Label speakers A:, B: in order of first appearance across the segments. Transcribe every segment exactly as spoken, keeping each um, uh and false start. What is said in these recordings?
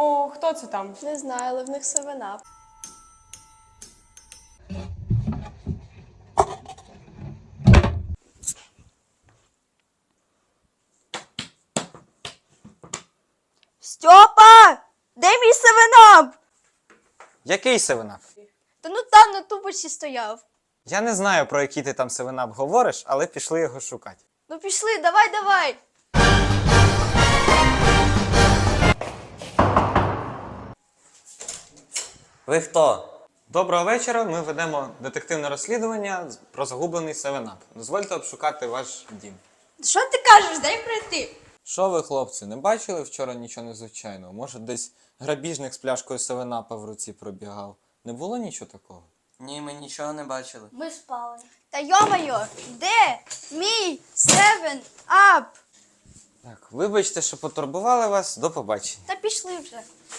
A: О, хто це там?
B: Не знаю, але в них севен-ап.
C: Стьопа! Де мій севен-ап?
D: Який севенап?
C: Та ну там на тубочці стояв.
D: Я не знаю, про який ти там севенап говориш, але пішли його шукати.
C: Ну пішли, давай, давай.
E: Ви хто?
D: Доброго вечора, ми ведемо детективне розслідування про загублений севенап. Дозвольте обшукати ваш дім.
C: Що ти кажеш? Дай пройти.
D: Що ви, хлопці, не бачили вчора нічого незвичайного? Може, десь грабіжник з пляшкою севенапа в руці пробігав? Не було нічого такого?
E: Ні, ми нічого не бачили.
C: Ми спали. Та йо-моє, де мій севен-ап?
D: Так, вибачте, що потурбували вас. До побачення.
C: Та пішли вже.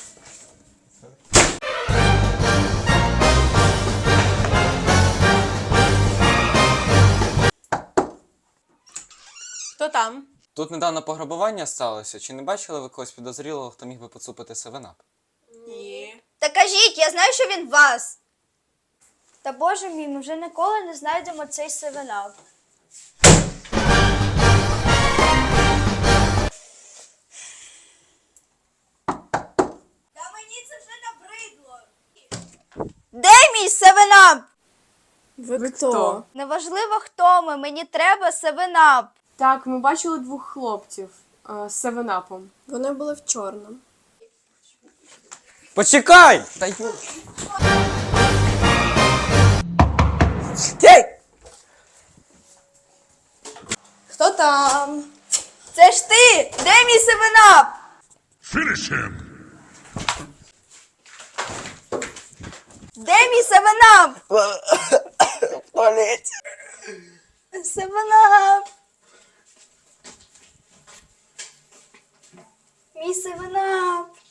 A: Хто там?
D: Тут недавно пограбування сталося. Чи не бачили ви когось підозрілого, хто міг би поцупити севенап?
A: Ні.
C: Та кажіть, я знаю, що він вас. Та боже мій, ми вже ніколи не знайдемо цей севен-ап. Та мені це вже набридло. Де мій севен-ап?
B: Ви хто?
C: Неважливо, хто ми, мені треба севен-ап.
A: Так, ми бачили двох хлопців е, з севенапом.
B: Вони були в чорному.
D: Почекай! Та ю...
B: Хто там?
C: Це ж ти! Де мій севен-ап?
F: Finish him!
C: Де мій севен-ап? Севен-ап. Мій севен-ап.